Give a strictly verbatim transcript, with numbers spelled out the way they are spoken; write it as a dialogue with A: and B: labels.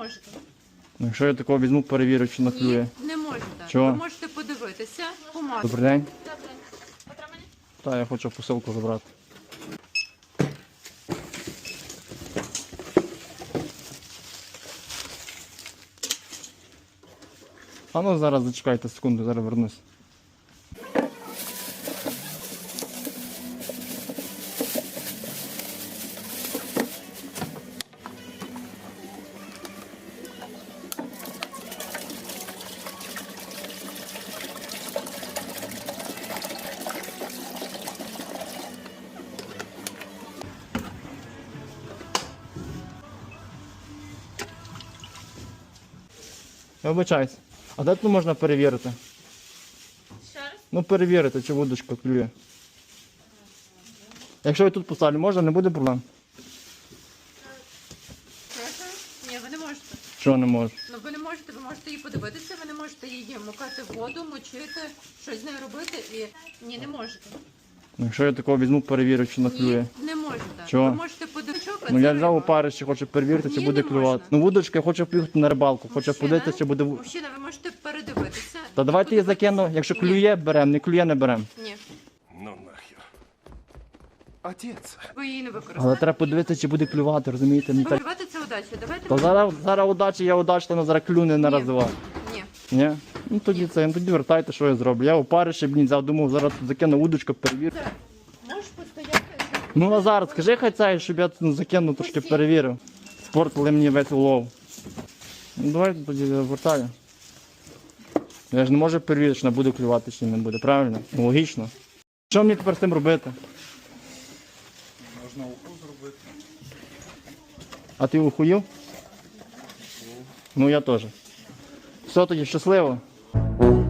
A: можете.
B: Ну, якщо я такого візьму, перевірю, чи наклює.
A: Ні, не можете.
B: Чого?
A: Ви можете подивитися по масці.
B: Добрий день.
C: Добре. Отримані?
B: Так, я хочу посилку забрати. А ну зараз зачекайте секунду, зараз вернусь. Я вибачаюсь. А де тут можна перевірити?
C: Ще раз?
B: Ну перевірити, чи вудочка клює. Якщо я тут поставлю, можна, не буде проблем.
A: Прошу? Ні, ви не можете.
B: Чого не можу?
A: Ну ви не можете, ви можете її подивитися, ви не можете її мукати в воду, мочити, щось з нею робити і ні, не можете.
B: Ну, якщо я такого візьму, перевірю, чи наклює.
A: Ні, не можете.
B: Чого?
A: Ви можете подивитися.
B: Ну я взяв опарище, хочу перевірити, чи
A: Ні,
B: буде
A: не
B: клювати.
A: можна.
B: Ну вудочка, я хочу поїхати на рибалку, хочу подивитися, чи буде. ву-
A: Мужчина, ви можете передивитися.
B: Та давайте я закину, якщо
A: Ні.
B: клює, беремо, не клює, не беремо.
A: Ні,
D: Ну нахер. Отец.
A: ви її не
B: Але
A: використовуєте.
B: треба подивитися, чи буде клювати, розумієте? Ну, так...
A: Вибивати це удача. Давайте.
B: Та зараз, зараз удачі, я удачно, зараз клюне не
A: Ні.
B: розвивав.
A: Ні.
B: Ні? Ну тоді це, ну тоді вертайте, що я зроблю. Я опарище, блін, взяв, думав, зараз тут закину удочку, перевірю.
A: Можеш постояти.
B: Ну Назар, скажи хай цей, щоб я тут закинув, трошки перевірив. Спортили мені весь улов. Ну давайте тоді я вертаю. Я ж не можу перевірити, що вона буде клювати чи не буде, правильно? Ну логічно. Що мені тепер з цим робити?
D: Можна уху зробити.
B: А ти ухуїв? Ну я теж. Все тоді, щасливо.